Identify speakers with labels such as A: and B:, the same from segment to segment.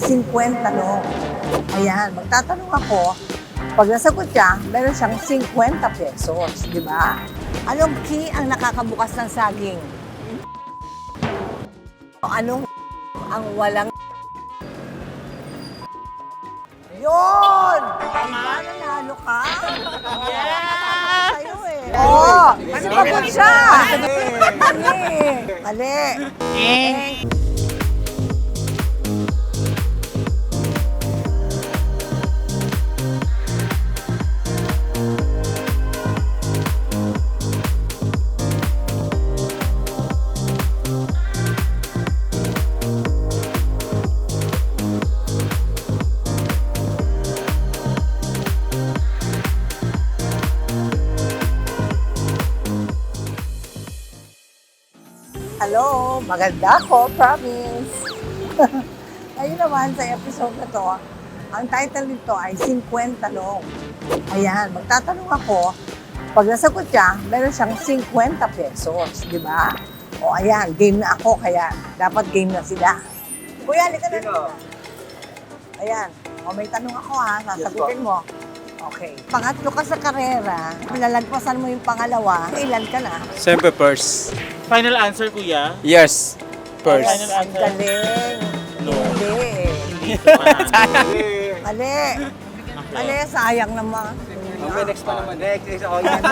A: 50 tanong. Ayan, magtatanong ako. Pag nasagot siya, meron siyang 50 pesos, di ba? Anong key ang nakakabukas ng saging? Anong ang walang yun! Diba, nanalo ka? Yeah! Sa'yo eh. Oo! Sumagot siya! Mali! Mali! Hello, maganda ako, promise. Ayun naman sa episode na to, ang title nito ay 50 tanong. Ayan, magtatanong ako, pag nasagot siya, meron siyang 50 pesos, di ba? O ayan, game na ako, kaya dapat game na sila. Kuya, halika na dito. Ayan, o may tanong ako ha, sasagutin mo. Okay. Pangatlo ka sa karera, lalagpasan mo yung pangalawa, ilan ka na?
B: Siyempre, first.
C: Final answer, kuya?
B: Yes. First.
C: Final
A: Ang
C: answer?
A: galing.
C: No.
A: Hindi. Mali. Mali, sayang naman.
B: Okay, next pa naman. Next. Oh,
A: Balik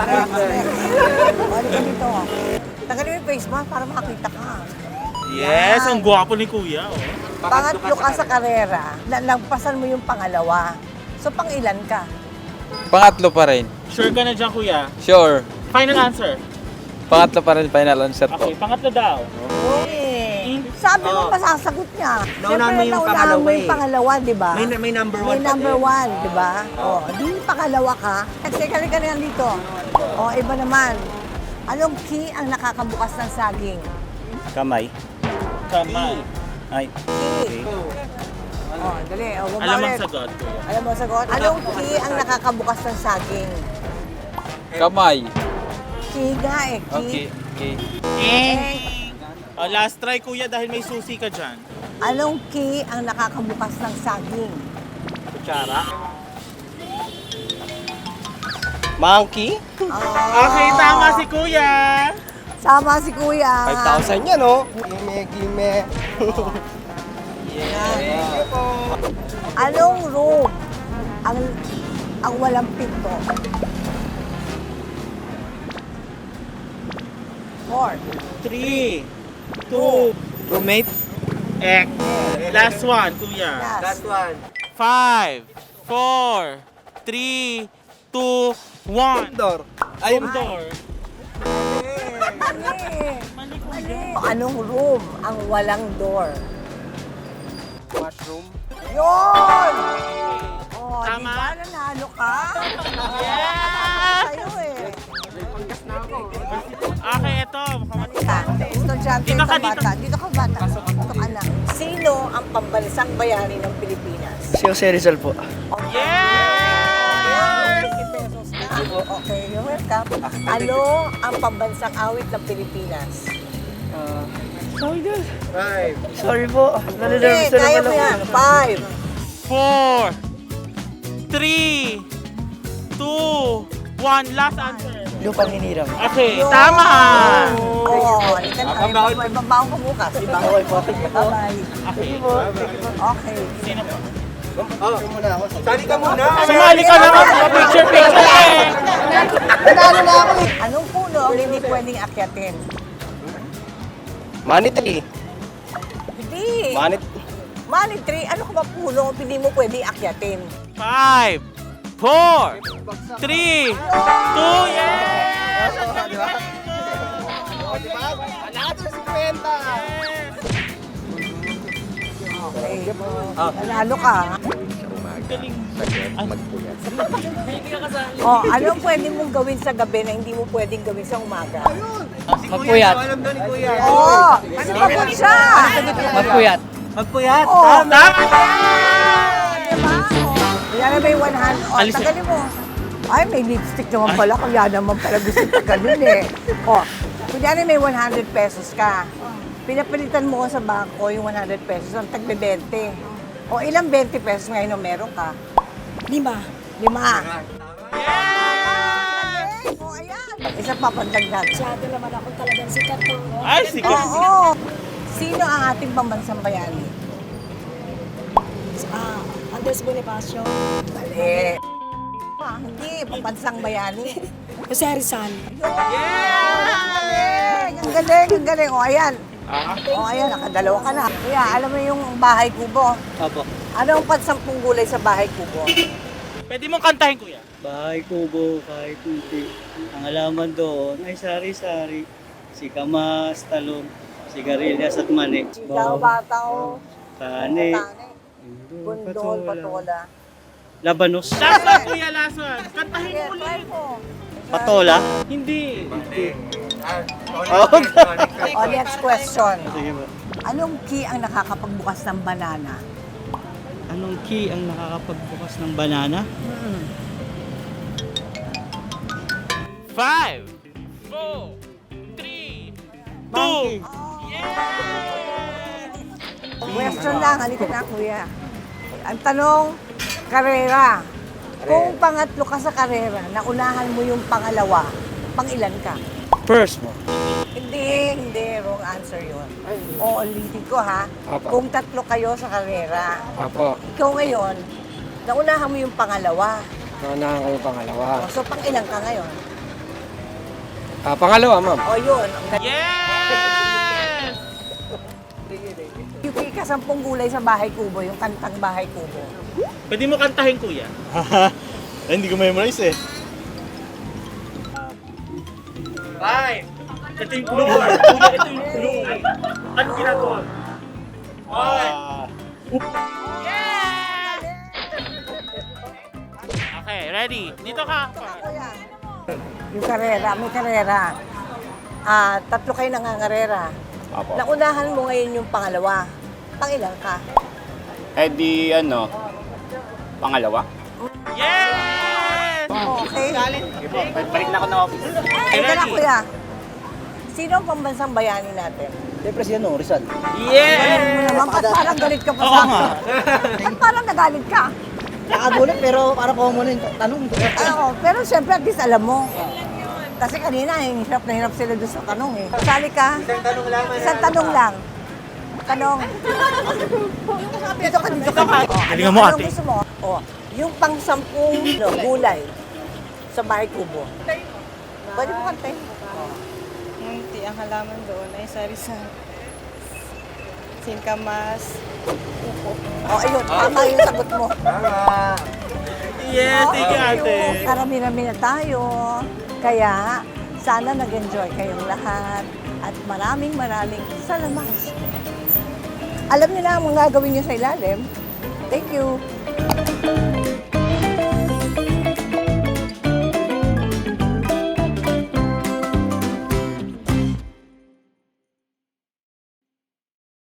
A: ka dito. Tagalin mo yung face mask para makakita ka.
C: Yes, ang gwapo ni kuya. Oh.
A: Pangatlo ka sa karera, lalagpasan mo yung pangalawa. So, pang ilan ka?
B: Pangatlo pa rin.
C: Sure ka na dyan, kuya?
B: Sure.
C: Final answer?
B: Pangatlo pa rin, final answer po.
C: Okay, pangatlo daw.
A: Okay. Sabi mo, masasagot niya.
D: Naunahan mo
A: Siyempre,
D: yung
A: naunahan mo yung
D: pangalawa
A: pangalawa, di ba?
D: May number
A: May
D: one.
A: number one, di ba? O, di pangalawa ka. Kasi ka na dito. O, iba naman. Anong key ang nakakabukas ng saging?
B: Kamay.
C: Kamay.
B: Ay.
A: Key. O, dali. O,
C: Alam ang
A: bumalik.
C: sagot, kuya.
A: Alam mo ang sagot? Anong key ang nakakabukas ng saging?
B: Kamay.
A: Key nga eh. Key.
B: Okay.
C: Oh, last try, kuya, dahil may susi ka dyan.
A: Anong key ang nakakabukas ng saging?
C: Kutsara.
B: Monkey?
C: Okay, tama si kuya.
A: Sama si Kuya.
B: 5,000 yan, oh. Gime.
A: Anong room ang walang pinto? 4.
C: 3, 2,
B: Roommate?
C: X. Last one, kuya.
A: Yes.
D: one.
C: 5, 4, 3, 2, 1.
B: Door. Ay,
C: Door.
A: Mali. Mali. Anong room ang walang door?
B: washroom.
A: Yun! Oh,
C: Tama.
A: di ba nanalo ka?
C: Yeah!
A: Sa'yo eh.
C: Okay, ito.
A: Estudyante
C: Dito
A: ka
C: ka,
A: bata. Dito ka bata. Dito ka na. Sino ang pambansang bayani ng Pilipinas?
D: Si Jose Rizal po.
C: Yes!
A: 50 pesos ka. Okay, you're welcome. Ano ang pambansang awit ng Pilipinas?
D: Sorry po.
A: Okay, kaya mo yan. 5.
C: 4, 3, 2, 1. Last answer.
D: Lupang hinirang.
C: Okay, tama!
A: Oo, halika na. May babaong ka bukas.
D: Okay po.
A: Bye-bye.
C: Okay.
A: Okay.
C: Sino po?
D: Sali ka muna.
C: Sumali ka naman sa picture eh!
A: Nanalo na ako eh. Anong puno ang hindi pwedeng akyatin?
B: Manit eh.
A: Hindi.
B: Manit.
A: Money tree, ano ka ba puno ang hindi mo pwedeng akyatin?
C: 5, 4, 3, 2, yes!
A: Okay. Nanalo ka. Oh, anong pwede mong gawin sa gabi na hindi mo pwedeng gawin sa umaga?
D: Magpuyat.
A: Oo, sumagot siya.
D: Magpuyat.
A: Magpuyat. Oh,
C: Tama!
A: diba? Oh, yan na may 100. Oh,
C: Alis-
A: tagalin mo. Ay, may lipstick naman pala. Kaya naman pala gusto ka ganun eh. Oh, kunyari may 100 pesos ka. Pinapalitan mo ko sa bangko yung 100 pesos ang tagbe 20. O ilang 20 pesos ngayon na meron ka?
E: 5.
A: 5. O ayan. Isa pa pandagdag.
E: Masyado naman ako talagang sikat to.
C: Ay, sikat.
A: Oo. Sino ang ating pambansang bayani?
E: Andres Bonifacio.
A: Mali. Hindi, pambansang bayani.
E: Jose Rizal.
A: Galing! Ang galing, ang galing. O, ayan. O, ayan, nakadalawa ka na. Kuya, alam mo yung bahay kubo?
D: Apo.
A: Ano ang pansampung gulay sa bahay kubo?
C: Pwede mong kantahin, kuya.
D: Bahay kubo, kahit kunti. Ang alaman doon ay sari-sari. Si kamas, talong, sigarilyas at mani.
A: Sigaw, bataw,
D: Tani,
A: tani, bundol, patola.
D: labanos.
C: Last one, kuya, last one. Kantahin
A: Sige,
C: mo
A: try
C: ulit.
A: mo.
D: Patola?
C: Hindi.
A: O, next question.
D: Sige ba.
A: Anong key ang nakakapagbukas ng banana?
D: Anong key ang nakakapagbukas ng banana?
C: 5, 4, 3, 2.
A: Question lang, halika na kuya. Ang tanong, karera. Kung pangatlo ka sa karera, naunahan mo yung pangalawa, pangilan ka?
D: First mo.
A: Hindi, wrong answer yun. O, ulitin ko ha. Kung tatlo kayo sa karera,
B: Apo.
A: ikaw ngayon, naunahan mo yung pangalawa.
B: Naunahan ko yung pangalawa.
A: O, so, pangilan ka ngayon?
B: Pangalawa, ma'am.
A: O, yun. Ang galing.
C: Yes!
A: Yung ka 10 gulay sa bahay kubo, yung kantang bahay kubo.
C: Pwede mo kantahin, kuya. Hindi ko memorize eh. 5. Ito yung clue. Kuya, ito yung clue. Ano ginagawa? 1. Okay, ready? Dito ka.
A: Kuya, yung karera, may karera. Tatlo kayo nangangarera.
F: Apo.
A: Naunahan mo ngayon yung pangalawa. Pangilan ka?
F: Eh di ano, pangalawa?
C: Yes!
A: Okay.
F: Sige po, balik na ako ng office.
A: Ito na kuya. Sino ang pambansang bayani natin?
D: Siyempre si ano, Rizal.
C: Yes!
A: Naman, ba't parang galit ka pa
C: Oo
A: sa
C: nga.
A: akin? Ba't parang nagalit ka?
D: Nakagulat pero parang common yung tanong.
A: Pero syempre at least alam mo. Kasi kanina, hirap na hirap sila doon sa tanong eh. Sali ka? Isang tanong lang. Tanong. Dito ka, dito ka.
C: Galingan mo,
A: Anong
C: ate.
A: gusto mo? Yung pang-10 gulay sa bahay kubo. Pwede mo kantay.
G: Munti ang halaman doon ay sari-sari. Singkamas.
A: Ayun, tama yung sagot mo.
C: Yes, thank you, ate.
A: Karami-rami na tayo. Kaya, sana nag-enjoy kayong lahat. At maraming salamat. Alam niyo na ang mga gagawin niyo sa ilalim. Thank you.